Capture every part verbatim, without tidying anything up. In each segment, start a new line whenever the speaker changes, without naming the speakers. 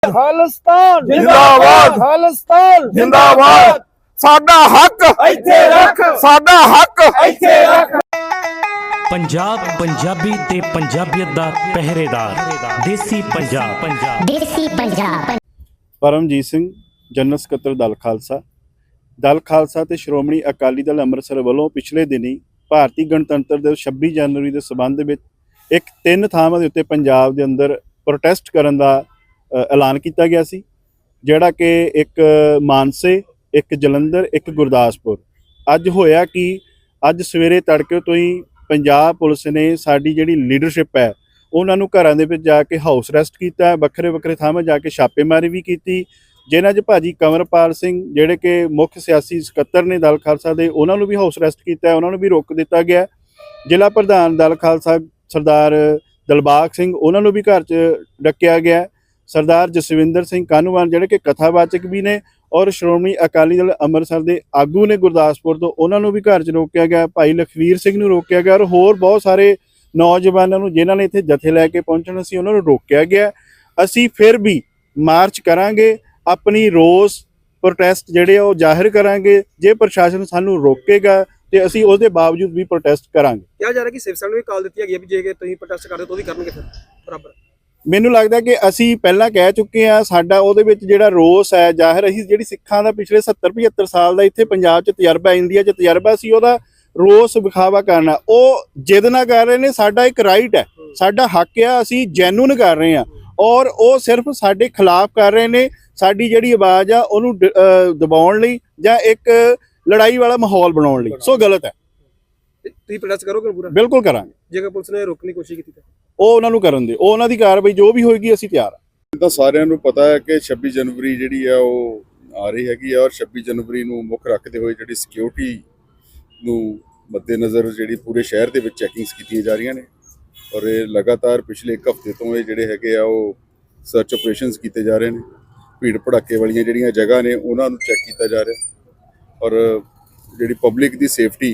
ਖਾਲਿਸਤਾਨ
जिंदाबाद
ਖਾਲਿਸਤਾਨ
जिंदाबाद साडा हक
ਇੱਥੇ ਰੱਖ
साडा हक
ਇੱਥੇ ਰੱਖ
पंजाब पंजाबी ते पंजाबियत दा पहरेदार देसी पंजाब पंजाब
देसी पंजाब
परमजीत सिंह जनरल ਸਕੱਤਰ दल खालसा दल खालसा ਤੇ ਸ਼੍ਰੋਮਣੀ ਅਕਾਲੀ ਦਲ ਅੰਮ੍ਰਿਤਸਰ ਵੱਲੋਂ ਪਿਛਲੇ ਦਿਨੀ ਭਾਰਤੀ ਗਣਤੰਤਰ ਦਿਵਸ ਛੱਬੀ ਜਨਵਰੀ ਦੇ ਸਬੰਧ ਵਿੱਚ ਇੱਕ ਤਿੰਨ ਥਾਵਾਂ ਦੇ ਉੱਤੇ ਪੰਜਾਬ ਦੇ ਅੰਦਰ ਪ੍ਰੋਟੈਸਟ ਕਰਨ ਦਾ ਐਲਾਨ ਕੀਤਾ ਗਿਆ ਸੀ, ਜਿਹੜਾ ਕਿ ਇੱਕ ਮਾਨਸੇ, ਇੱਕ ਜਲੰਧਰ, ਇੱਕ ਗੁਰਦਾਸਪੁਰ। ਅੱਜ ਹੋਇਆ ਕਿ ਅੱਜ ਸਵੇਰੇ ਤੜਕੇ ਤੋਂ ਹੀ ਪੰਜਾਬ ਪੁਲਿਸ ਨੇ ਸਾਡੀ ਜਿਹੜੀ ਲੀਡਰਸ਼ਿਪ ਹੈ ਉਹਨਾਂ ਨੂੰ ਘਰਾਂ ਦੇ ਵਿੱਚ ਜਾ ਕੇ ਹਾਊਸ ਅਰੈਸਟ ਕੀਤਾ, ਵੱਖਰੇ ਵੱਖਰੇ ਥਾਵਾਂ ਜਾ ਕੇ ਛਾਪੇਮਾਰੀ ਵੀ ਕੀਤੀ, ਜਿਨ੍ਹਾਂ 'ਚ ਭਾਜੀ ਕੰਵਰਪਾਲ ਸਿੰਘ ਜਿਹੜੇ ਕਿ ਮੁੱਖ ਸਿਆਸੀ ਸਕੱਤਰ ਨੇ ਦਲ ਖਾਲਸਾ ਦੇ, ਉਹਨਾਂ ਨੂੰ ਵੀ ਹਾਊਸ ਅਰੈਸਟ ਕੀਤਾ, ਉਹਨਾਂ ਨੂੰ ਵੀ ਰੋਕ ਦਿੱਤਾ ਗਿਆ। ਜ਼ਿਲ੍ਹਾ ਪ੍ਰਧਾਨ ਦਲ ਖਾਲਸਾ ਸਰਦਾਰ ਦਿਲਬਾਗ ਸਿੰਘ, ਉਹਨਾਂ ਨੂੰ ਵੀ ਘਰ 'ਚ ਡੱਕਿਆ ਗਿਆ। ਸਰਦਾਰ ਜਸਵਿੰਦਰ ਸਿੰਘ ਕਾਨੂੰਵਾਨ ਜਿਹੜੇ ਕਿ ਕਥਾਵਾਚਕ ਵੀ ਨੇ ਔਰ ਸ਼੍ਰੋਮਣੀ ਅਕਾਲੀ ਦਲ ਅੰਮ੍ਰਿਤਸਰ ਦੇ ਆਗੂ ਨੇ ਗੁਰਦਾਸਪੁਰ ਤੋਂ, ਉਹਨਾਂ ਨੂੰ ਵੀ ਘਰ 'ਚ ਰੋਕਿਆ ਗਿਆ। ਭਾਈ ਲਖਵੀਰ ਸਿੰਘ ਨੂੰ ਰੋਕਿਆ ਗਿਆ ਔਰ ਹੋਰ ਬਹੁਤ ਸਾਰੇ ਨੌਜਵਾਨਾਂ ਨੂੰ ਜਿਨ੍ਹਾਂ ਨੇ ਇੱਥੇ ਜਥੇ ਲੈ ਕੇ ਪਹੁੰਚਣਾ ਸੀ ਉਹਨਾਂ ਨੂੰ ਰੋਕਿਆ ਗਿਆ। ਅਸੀਂ ਫਿਰ ਵੀ ਮਾਰਚ ਕਰਾਂਗੇ, ਆਪਣੀ ਰੋਸ ਪ੍ਰੋਟੈਸਟ ਜਿਹੜੇ ਆ ਉਹ ਜ਼ਾਹਿਰ ਕਰਾਂਗੇ। ਜੇ ਪ੍ਰਸ਼ਾਸਨ ਸਾਨੂੰ ਰੋਕੇਗਾ ਤੇ ਅਸੀਂ ਉਹਦੇ ਬਾਵਜੂਦ ਵੀ ਪ੍ਰੋਟੈਸਟ ਕਰਾਂਗੇ।
ਕਿਹਾ ਜਾ ਰਿਹਾ ਕਿ ਸਿਵ ਸੈਨਾ ਨੂੰ ਵੀ ਕਾਲ ਦਿੱਤੀ ਹੈਗੀ ਵੀ ਜੇ ਤੁਸੀਂ ਪ੍ਰੋਟੈਸਟ ਕਰਦੇ ਤਾਂ ਉਹ ਵੀ ਕਰਨਗੇ ਫਿਰ ਬਰਾਬਰ। ਮੈਨੂੰ
ਲੱਗਦਾ ਕਿ ਅਸੀਂ ਪਹਿਲਾਂ ਕਹਿ ਚੁੱਕੇ ਹਾਂ, ਸਾਡਾ ਉਹਦੇ ਵਿੱਚ ਜਿਹੜਾ ਰੋਸ ਹੈ ਜ਼ਾਹਿਰ, ਅਸੀਂ ਜਿਹੜੀ ਸਿੱਖਾਂ ਦਾ ਪਿਛਲੇ ਸੱਤਰ ਪਝੱਤਰ ਸਾਲ ਦਾ ਇੱਥੇ ਪੰਜਾਬ 'ਚ ਤਜਰਬਾ, ਇੰਡੀਆ 'ਚ ਤਜਰਬਾ ਸੀ, ਉਹਦਾ ਰੋਸ ਵਿਖਾਵਾ ਕਰਨਾ। ਉਹ ਜਿੱਦ ਨਾ ਕਰ ਰਹੇ ਨੇ, ਸਾਡਾ ਇੱਕ ਰਾਈਟ ਹੈ, ਸਾਡਾ ਹੱਕ ਆ, ਅਸੀਂ ਜੈਨੂਨ ਕਰ ਰਹੇ ਹਾਂ ਔਰ ਉਹ ਸਿਰਫ ਸਾਡੇ ਖਿਲਾਫ ਕਰ ਰਹੇ ਨੇ। ਸਾਡੀ ਜਿਹੜੀ ਆਵਾਜ਼ ਆ ਉਹਨੂੰ ਦਬਾਉਣ ਲਈ ਜਾਂ ਇੱਕ ਲੜਾਈ ਵਾਲਾ ਮਾਹੌਲ ਬਣਾਉਣ ਲਈ, ਸੋ ਗਲਤ ਹੈ।
ਤੁਸੀਂ ਪ੍ਰੋਟੈਸਟ ਕਰੋਗੇ ਪੂਰਾ?
ਬਿਲਕੁਲ ਕਰਾਂਗੇ।
ਜੇਕਰ ਪੁਲਿਸ ਨੇ ਰੋਕਣ ਦੀ ਕੋਸ਼ਿਸ਼ ਕੀਤੀ ਤਾਂ
ਉਹ ਉਹਨਾਂ ਨੂੰ ਕਰਨ ਦੇ, ਉਹ ਉਹਨਾਂ ਦੀ ਕਾਰਵਾਈ ਜੋ ਵੀ ਹੋਏਗੀ ਅਸੀਂ ਤਿਆਰ ਹਾਂ।
ਤਾਂ ਸਾਰਿਆਂ ਨੂੰ ਪਤਾ ਹੈ ਕਿ ਛੱਬੀ ਜਨਵਰੀ ਜਿਹੜੀ ਆ ਉਹ ਆ ਰਹੀ ਹੈਗੀ ਆ ਔਰ ਛੱਬੀ ਜਨਵਰੀ ਨੂੰ ਮੁੱਖ ਰੱਖਦੇ ਹੋਏ ਜਿਹੜੀ ਸਿਕਿਉਰਿਟੀ ਨੂੰ ਮੱਦੇਨਜ਼ਰ ਜਿਹੜੀ ਪੂਰੇ ਸ਼ਹਿਰ ਦੇ ਵਿੱਚ ਚੈਕਿੰਗਸ ਕੀਤੀਆਂ ਜਾ ਰਹੀਆਂ ਨੇ ਔਰ ਇਹ ਲਗਾਤਾਰ ਪਿਛਲੇ ਇੱਕ ਹਫ਼ਤੇ ਤੋਂ ਇਹ ਜਿਹੜੇ ਹੈਗੇ ਆ ਉਹ ਸਰਚ ਆਪਰੇਸ਼ਨਸ ਕੀਤੇ ਜਾ ਰਹੇ ਨੇ। ਭੀੜ ਭੜਾਕੇ ਵਾਲੀਆਂ ਜਿਹੜੀਆਂ ਜਗ੍ਹਾ ਨੇ ਉਹਨਾਂ ਨੂੰ ਚੈੱਕ ਕੀਤਾ ਜਾ ਰਿਹਾ ਔਰ ਜਿਹੜੀ ਪਬਲਿਕ ਦੀ ਸੇਫਟੀ,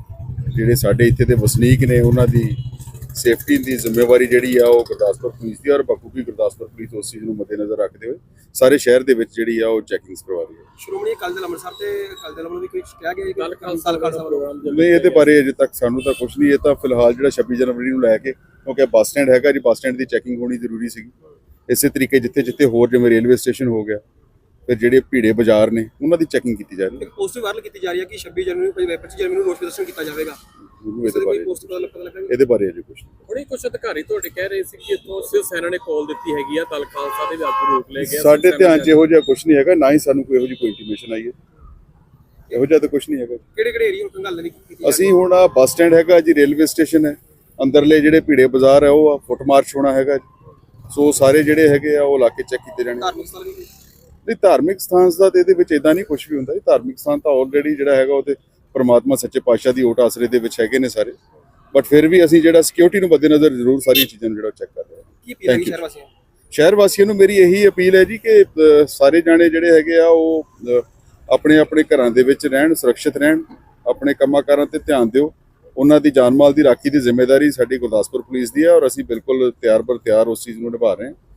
ਜਿਹੜੇ ਸਾਡੇ ਇੱਥੇ ਦੇ ਵਸਨੀਕ ਨੇ ਉਹਨਾਂ ਦੀ ਸੇਫਟੀ ਦੀ ਜ਼ਿੰਮੇਵਾਰੀ ਜਿਹੜੀ ਆ ਉਹ ਗੁਰਦਾਸਪੁਰ ਪੁਲਿਸ ਦੀ ਔਰ ਬਖੂਬੀ ਗੁਰਦਾਸਪੁਰ ਪੁਲਿਸ ਉਸ ਚੀਜ਼ ਨੂੰ ਮੱਦੇਨਜ਼ਰ ਰੱਖਦੇ ਹੋਏ ਸਾਰੇ ਸ਼ਹਿਰ ਦੇ ਵਿੱਚ ਜਿਹੜੀ ਆ ਉਹ ਚੈਕਿੰਗਸ ਕਰਵਾ ਰਹੀ ਹੈ।
ਸ਼੍ਰੋਮਣੀ ਅਕਾਲੀ ਦਲ ਅੰਮ੍ਰਿਤਸਰ ਤੇ ਅਕਾਲੀ ਦਲ ਵੱਲੋਂ ਵੀ ਕੋਈ ਕਿਹਾ ਗਿਆ ਦਲ ਖਾਲਸਾ ਪ੍ਰੋਗਰਾਮ
ਨਹੀਂ, ਇਹਦੇ ਬਾਰੇ ਅਜੇ ਤੱਕ ਸਾਨੂੰ ਤਾਂ ਕੁਝ ਨਹੀਂ। ਇਹ ਤਾਂ ਫਿਲਹਾਲ ਜਿਹੜਾ ਛੱਬੀ ਜਨਵਰੀ ਨੂੰ ਲੈ ਕੇ, ਕਿਉਂਕਿ ਬੱਸ ਸਟੈਂਡ ਹੈਗਾ ਜੀ, ਬੱਸ ਸਟੈਂਡ ਦੀ ਚੈਕਿੰਗ ਹੋਣੀ ਜ਼ਰੂਰੀ ਸੀਗੀ। ਇਸੇ ਤਰੀਕੇ ਜਿੱਥੇ ਜਿੱਥੇ ਹੋਰ ਜਿਵੇਂ ਰੇਲਵੇ ਸਟੇਸ਼ਨ ਹੋ ਗਿਆ, ਫਿਰ ਜਿਹੜੇ ਭੀੜੇ ਬਾਜ਼ਾਰ ਨੇ ਉਹਨਾਂ ਦੀ ਚੈਕਿੰਗ ਕੀਤੀ ਜਾ ਰਹੀ ਹੈ।
ਇੱਕ ਪੋਸਟ ਵਾਇਰਲ ਕੀਤੀ ਜਾ ਰਹੀ ਹੈ ਕਿ ਛੱਬੀ ਜਨਵਰੀ ਨੂੰ ਪੱਚੀ ਜਨਵਰੀ ਨੂੰ ਰੋਸ ਪ੍ਰਦਰਸ਼ਨ ਕੀਤਾ ਜਾਵੇਗਾ।
ਇਹਦੇ ਬਾਰੇ
ਪੋਸਟ ਪਤਾ ਲੱਗਾ
ਇਹਦੇ ਬਾਰੇ ਅਜੇ ਕੁਝ ਨਹੀਂ।
ਹੁਣੇ ਕੁਝ ਅਧਿਕਾਰੀ ਤੁਹਾਡੇ ਕਹਿ ਰਹੇ ਸੀ ਕਿ ਇੱਥੋਂ ਸਿਵ ਸੈਨਾ ਨੇ ਕਾਲ ਦਿੱਤੀ ਹੈਗੀ ਆ, ਦਲ ਖਾਲਸਾ ਦੇ ਵੀ ਆਗੂ ਰੋਕ ਲਏ ਗਏ।
ਸਾਡੇ ਧਿਆਨ 'ਚ ਇਹੋ ਜਿਹਾ ਕੁਝ ਨਹੀਂ ਹੈਗਾ, ਨਾ ਹੀ ਸਾਨੂੰ ਕੋਈ ਇਹੋ ਜਿਹੀ ਕੋਈ ਇੰਟੀਮੇਸ਼ਨ ਆਈ ਹੈ। ਇਹੋ ਜਿਹਾ ਤਾਂ ਕੁਝ ਨਹੀਂ ਹੈਗਾ।
ਕਿਹੜੇ ਕਿਹੜੇ ਏਰੀਆ ਨੂੰ ਗੱਲ ਨਹੀਂ ਕੀਤੀ?
ਅਸੀਂ ਹੁਣ ਆ ਬੱਸ ਸਟੈਂਡ ਹੈਗਾ ਜੀ, ਰੇਲਵੇ ਸਟੇਸ਼ਨ ਹੈ, ਅੰਦਰਲੇ ਜਿਹੜੇ ਭੀੜੇ ਬਾਜ਼ਾਰ ਹੈ ਉਹ ਆ, ਫੁੱਟ ਮਾਰਚ ਹੋਣਾ ਹੈਗਾ। ਸੋ ਸਾਰੇ ਜਿਹੜੇ ਹੈਗੇ ਆ ਉਹ ਇਲਾਕੇ ਚੈੱਕ ਕੀਤੇ ਜਾਣੇ।
ਧਾਰਮਿਕ ਸਥਾਨ ਵੀ
ਨਹੀਂ, ਧਾਰਮਿਕ ਸਥਾਨ ਦਾ ਤੇ ਇਹਦੇ ਵਿੱਚ ਇਦਾਂ ਨਹੀਂ ਕੁਝ ਵੀ ਹੁੰਦਾ ਜੀ। ਧਾਰਮਿਕ ਸਥਾਨ ਤਾਂ ਆਲਰੇਡੀ ਜਿਹੜਾ ਹੈਗਾ ਉਹ ਤੇ ਪਰਮਾਤਮਾ ਸੱਚੇ ਪਾਤਸ਼ਾਹ ਦੀ ਓਟ ਆਸਰੇ ਦੇ ਵਿੱਚ ਹੈਗੇ ਨੇ ਸਾਰੇ, ਬਟ ਫਿਰ ਵੀ ਅਸੀਂ ਜਿਹੜਾ ਸਿਕਿਉਰਿਟੀ ਨੂੰ ਮੱਦੇਨਜ਼ਰ ਜ਼ਰੂਰ ਸਾਰੀਆਂ ਚੀਜ਼ਾਂ ਨੂੰ ਜਿਹੜਾ ਚੈੱਕ ਕਰ ਰਹੇ ਹਾਂ।
ਕੀ ਅਪੀਲ ਹੈ ਸ਼ਹਿਰ ਵਾਸੀਆਂ ਨੂੰ?
ਸ਼ਹਿਰ ਵਾਸੀਆਂ ਨੂੰ ਮੇਰੀ ਇਹੀ ਅਪੀਲ ਹੈ ਜੀ ਕਿ ਅ, ਸਾਰੇ ਜਾਣੇ ਜਿਹੜੇ ਹੈਗੇ ਆ ਉਹ ਅ, ਆਪਣੇ ਆਪਣੇ ਘਰਾਂ ਦੇ ਵਿੱਚ ਰਹਿਣ, ਸੁਰੱਖਿਅਤ ਰਹਿਣ, ਆਪਣੇ ਕੰਮਾਂ ਕਾਰਾਂ ਤੇ ਧਿਆਨ ਦਿਓ। ਉਹਨਾਂ ਦੀ ਜਾਨ ਮਾਲ ਦੀ ਰਾਖੀ ਦੀ ਜ਼ਿੰਮੇਵਾਰੀ ਸਾਡੀ ਗੁਰਦਾਸਪੁਰ ਪੁਲਿਸ ਦੀ ਹੈ ਔਰ ਅਸੀਂ ਬਿਲਕੁਲ ਤਿਆਰ ਬਰ ਤਿਆਰ ਉਸ ਚੀਜ਼ ਨੂੰ ਨਿਭਾ ਰਹੇ ਹਾਂ।